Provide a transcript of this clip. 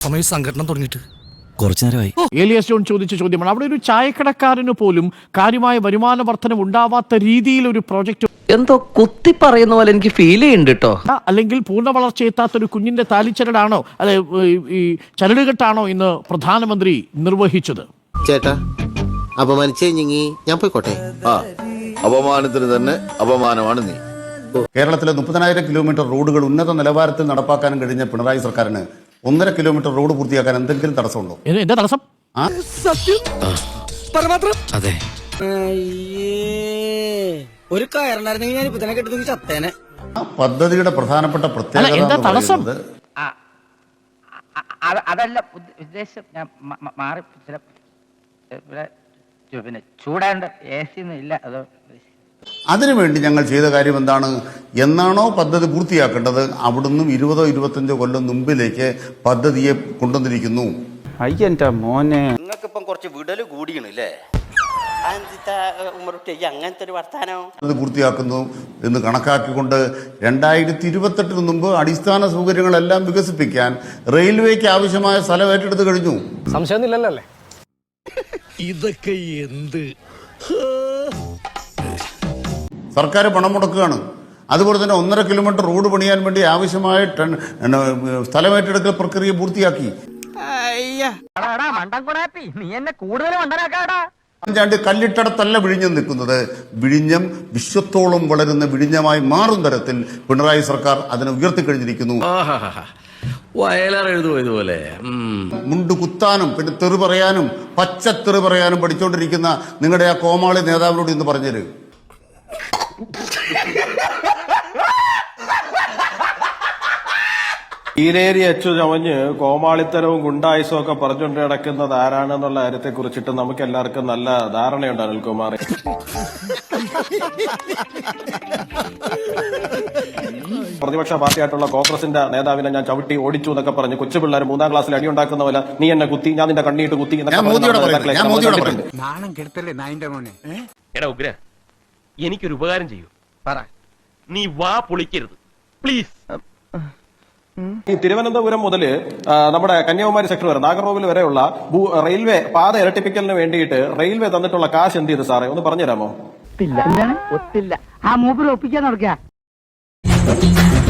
സമയം സംഘടന തുടങ്ങിയിട്ട് കുറച്ചു നേരമായി. ഏലിയസ് ജോൺ ചോദിച്ച ചോദ്യമാണ്. അവിടെ ഒരു ചായക്കടക്കാരന് പോലും കാര്യമായ വരുമാന വർധനം ഉണ്ടാവാത്ത രീതിയിൽ ഒരു പ്രോജക്റ്റ് എന്തോ കുത്തി പറയുന്ന പോലെ എനിക്ക് ഫീൽ ചെയ്യുന്നുണ്ട് കേട്ടോ. അല്ലെങ്കിൽ പൂർണ്ണ വളർച്ചയെത്താത്ത ഒരു കുഞ്ഞിന്റെ താലിച്ചരടാണോ അല്ലെ ഈ ചരടുകെട്ടാണോ ഇന്ന് പ്രധാനമന്ത്രി നിർവഹിച്ചത്? ചേട്ടാ അപമാനിച്ചേ ഞാൻ പോയിക്കോട്ടെ. അപമാനത്തിന് തന്നെ അപമാനമാണ് നീ. കേരളത്തിലെ 30,000 കിലോമീറ്റർ റോഡുകൾ ഉന്നത നിലവാരത്തിൽ നടപ്പാക്കാനും കഴിഞ്ഞ പിണറായി സർക്കാരിന് 1.5 കിലോമീറ്റർ റോഡ് പൂർത്തിയാക്കാൻ എന്തെങ്കിലും തടസ്സമുണ്ടോ? എന്താ തടസ്സം? അതെ, ഒരു കയറുണ്ടായിരുന്നെങ്കിൽ ഞാൻ ഇപ്പൊ തന്നെ കെട്ടി ചത്തേനെ. പദ്ധതിയുടെ പ്രധാനപ്പെട്ട പ്രത്യേകത എന്താ തടസ്സം? അതല്ല ഉദ്ദേശം. ഞാൻ മാറി പിന്നെ ചൂടാണ്ട് AC ഒന്നും ഇല്ല. അതോ അതിനുവേണ്ടി ഞങ്ങൾ ചെയ്ത കാര്യം എന്താണ്? എന്നാണോ പദ്ധതി പൂർത്തിയാക്കേണ്ടത് അവിടുന്ന് 20-25 കൊല്ലം മുമ്പിലേക്ക് പദ്ധതിയെ കൊണ്ടുവന്നിരിക്കുന്നു. അയ്യന്റെ മോനെ, നിങ്ങൾക്കിപ്പം കുറച്ച് വിടല് കൂടിയണല്ലേ അങ്ങനത്തെ ഒരു വർത്താനോ? അത് പൂർത്തിയാക്കുന്നു എന്ന് കണക്കാക്കിക്കൊണ്ട് 2028 മുമ്പ് അടിസ്ഥാന സൗകര്യങ്ങളെല്ലാം വികസിപ്പിക്കാൻ റെയിൽവേക്ക് ആവശ്യമായ സ്ഥലം ഏറ്റെടുത്ത് കഴിഞ്ഞു. സംശയമൊന്നുമില്ലല്ലേ? ഇതൊക്കെ എന്ത് സർക്കാർ പണം മുടക്കുകയാണ്. അതുപോലെ തന്നെ 1.5 കിലോമീറ്റർ റോഡ് പണിയാൻ വേണ്ടി ആവശ്യമായ സ്ഥലമേറ്റെടുക്കൽ പ്രക്രിയ പൂർത്തിയാക്കി. നീ എന്നെ കൂടുതൽ മണ്ടനാക്കാടാ. ചാണ്ടി കല്ലിട്ടടത്തല്ല വിഴിഞ്ഞം നിൽക്കുന്നത്. വിഴിഞ്ഞം വിശ്വത്തോളം വളരുന്ന വിഴിഞ്ഞമായി മാറും തരത്തിൽ പിണറായി സർക്കാർ അതിനെ ഉയർത്തിക്കഴിഞ്ഞിരിക്കുന്നു. വയലാറെഴുതുപോലെ മുണ്ട് കുത്താനും പിന്നെ തെറി പറയാനും പച്ചത്തെറി പറയാനും പഠിച്ചുകൊണ്ടിരിക്കുന്ന നിങ്ങളുടെ ആ കോമാളി നേതാവിനോട് ഇന്ന് പറഞ്ഞത് ഈരേരി അച്ചു ചമഞ്ഞ് കോമാളിത്തരവും ഗുണ്ടായുസും ഒക്കെ പറഞ്ഞുകൊണ്ട് നടക്കുന്നത് ആരാണെന്നുള്ള കാര്യത്തെ കുറിച്ചിട്ട് നമുക്ക് എല്ലാവർക്കും നല്ല ധാരണയുണ്ട്. അനിൽകുമാർ പ്രതിപക്ഷ പാർട്ടിയായിട്ടുള്ള കോൺഗ്രസിന്റെ നേതാവിനെ ഞാൻ ചവിട്ടി ഓടിച്ചു എന്നൊക്കെ പറഞ്ഞ് കൊച്ചുപിള്ളേർ 3ാം ക്ലാസ്സിൽ അടിയുണ്ടാക്കുന്ന പോലെ നീ എന്നെ കുത്തി, ഞാൻ നിന്റെ കണ്ണീട്ട് കുത്തി എന്നൊക്കെ. എനിക്കൊരു ഉപകാരം ചെയ്യൂ. പറ, നീ വാ പൊളിക്കരുത് പ്ലീസ്. ഈ തിരുവനന്തപുരം മുതൽ നമ്മുടെ കന്യാകുമാരി സെക്ടർ വരെ നാഗർകോവിൽ വരെയുള്ള റെയിൽവേ പാത ഇരട്ടിപ്പിക്കലിന് വേണ്ടിയിട്ട് റെയിൽവേ തന്നിട്ടുള്ള കാശ് എന്ത് ചെയ്ത് സാറേ ഒന്ന് പറഞ്ഞുതരാമോ? ഒത്തില്ല. ആ മൂപ്പര് ഒപ്പിക്കാൻ നടക്കുക.